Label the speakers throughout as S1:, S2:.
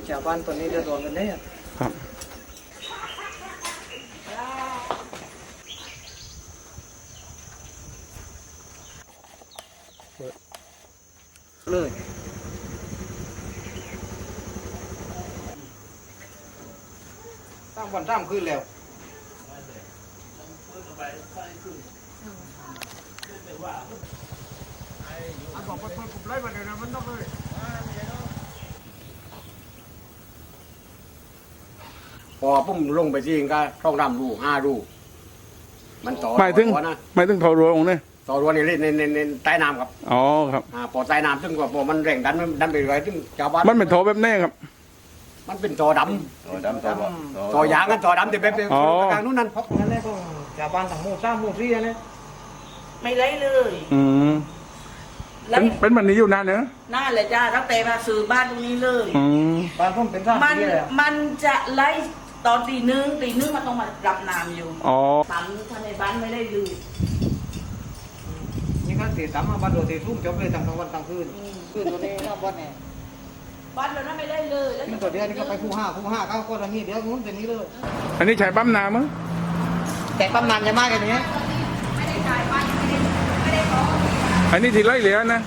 S1: ชาวบ้านตอนนี้เดือดร้อนกันแน่
S2: ครับ
S1: เลยตั้งวันตั้งคืนแล้วบอกว่าผมไล่มาเดี๋ยวนะมันต้องเลยพอปุ่มลงไปจริงก็ต้องดำรู5 รูมันต่อ
S2: หมายถึง
S1: นะ
S2: หมายถึงทอรัวองค์เนี่ย
S1: ต่อรัวในใต้น้ำครับ
S2: อ๋อครับ
S1: พอใต้น้ำซึ่งก็พอมันแรงดันไปเรื่อยซึ่งชาวบ้าน
S2: มันเป็นทอแบบแน่ครับ
S1: มันเป็นจอดำจอยางกันจอดำแต่แบบกลางนู้นนั่นพบงั้นเลยก็ชาวบ้านต่างหมู่3 หมู่ 4เลย
S3: ไม่ไล่เลย
S2: อืม
S3: ไล่
S2: เป็นแบบนี้อยู่นานเนอะ
S3: น่าเลยจ้าตั้งแต่มาซื้อบ้านตรงนี้เลย
S2: อืม
S1: บ้านผมเป็นท่า
S3: มัน
S1: ที่เลย
S3: มันจะไล่ตอนตีหนึ่งมันต้องมารับน้ำอยู่
S2: อ๋อ
S3: ปั๊มทำในบ้านไม่ได้เลย
S1: นี่ก็ตี3 มาบ้านโดดตีทุ่มจบเลยทั้งวันทั้งคืนคืนตัวนี้หน้าบ้านเนี่ย
S3: บ้านเรานั้นไม่ได้เลยแล้ว
S1: นี่ตัวเดียวนี่ก็ไปคู่5ก็คนละนี้เดี๋ยวนู้นแต่นี้เลย
S2: อันนี้ใช้ปั๊มน้ำมั้ง
S1: แต่ปั๊มน้ำจะมากกันนี้
S3: ไม่ได้จ่ายบ้านไม่ได้ขอ
S2: อันนี้ที่ไล่เหลือนะ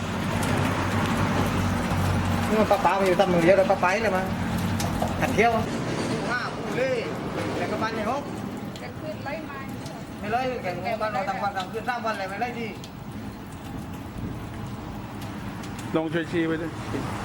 S1: นี่มันป้ามาอยู่ตำมือเดียวแล้วป้าไปเลยมาขันเที่ยวคู่คู่เลยแต่ก็บ้านใหญ่6
S3: จะขึ้นไล่มา
S1: ไม่เลยแข่งบ้านเราต่างวันต่างคืน3 วันเลยไม่เลยดี
S2: ลงช่วยชี้ไปด้วย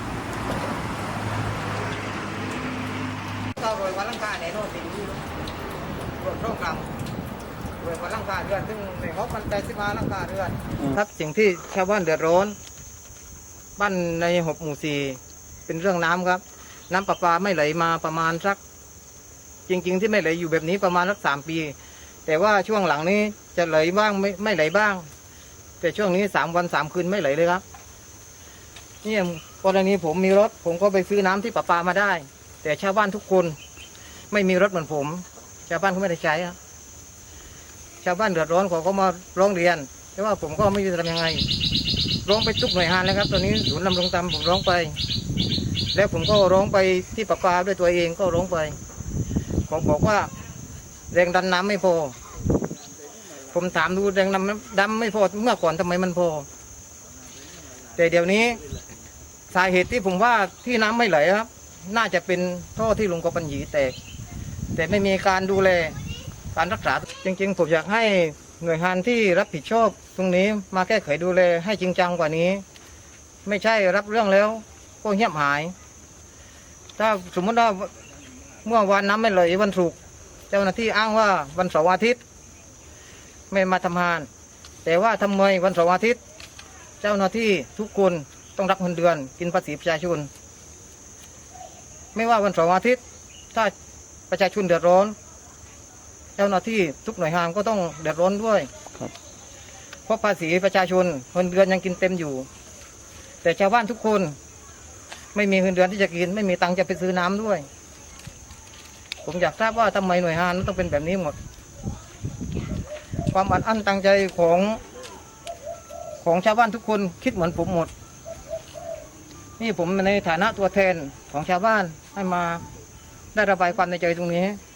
S1: เราโรยวันลังกาเนี่ยโน่นติดอยู่รถร่องกลางโรยวันลังกาเดือนซึ่งในเขามัน85 ลังกาเดือนครับสิ่งที่ชาวบ้านเดือดร้อนบ้านใน6 หมู่ 4เป็นเรื่องน้ำครับน้ำประปาไม่ไหลมาประมาณสักจริงๆที่ไม่ไหลอยู่แบบนี้ประมาณสัก3 ปีแต่ว่าช่วงหลังนี้จะไหลบ้างไม่ไหลบ้างแต่ช่วงนี้3 วัน 3 คืนไม่ไหลเลยครับนี่กรณีผมมีรถผมก็ไปซื้อน้ำที่ประปามาได้แต่ชาวบ้านทุกคนไม่มีรถเหมือนผมชาวบ้านเขาไม่ได้ใช้ครับชาวบ้านเดือดร้อนเขาก็มาร้องเรียนแต่ว่าผมก็ไม่รู้จะทำยังไงร้องไปทุกหน่วยงานแล้วครับตอนนี้ศูนย์ดำรงธรรมผมร้องไปแล้วผมก็ร้องไปที่ประปาด้วยตัวเองก็ร้องไปเขาบอกว่าแรงดันน้ำไม่พอผมถามดูแรงดันไม่พอเมื่อก่อนทำไมมันพอแต่เดี๋ยวนี้สาเหตุที่ผมว่าที่น้ำไม่ไหลครับน่าจะเป็นท่อที่ลุงกบปัญญีแตกแต่ไม่มีการดูแลการรักษาจริงๆผมอยากให้หน่วยงานที่รับผิดชอบตรงนี้มาแก้ไขดูแลให้จริงจังกว่านี้ไม่ใช่รับเรื่องแล้วก็เงียบหายถ้าสมมติว่าเมื่อวานน้ำไม่ไหลวันศุกร์เจ้าหน้าที่อ้างว่าวันเสาร์อาทิตย์ไม่มาทำงานแต่ว่าทำไมวันเสาร์อาทิตย์เจ้าหน้าที่ทุกคนต้องรับเงินเดือนกินภาษีประชาชนไม่ว่าวันเสาร์อาทิตย์ถ้าประชาชนเดือดร้อนเจ้าหน้าที่ทุกหน่วยงานก็ต้องเดือดร้อนด้วยเพราะภาษีประชาชนเงินเดือนยังกินเต็มอยู่แต่ชาวบ้านทุกคนไม่มีเงินเดือนที่จะกินไม่มีตังค์จะไปซื้อน้ำด้วยผมอยากทราบว่าทำไมหน่วยงานต้องเป็นแบบนี้หมดความอัดอั้นตังใจของชาวบ้านทุกคนคิดเหมือนผมหมดนี่ผมในฐานะตัวแทนของชาวบ้านให้มาได้ระบายความในใจตรงนี้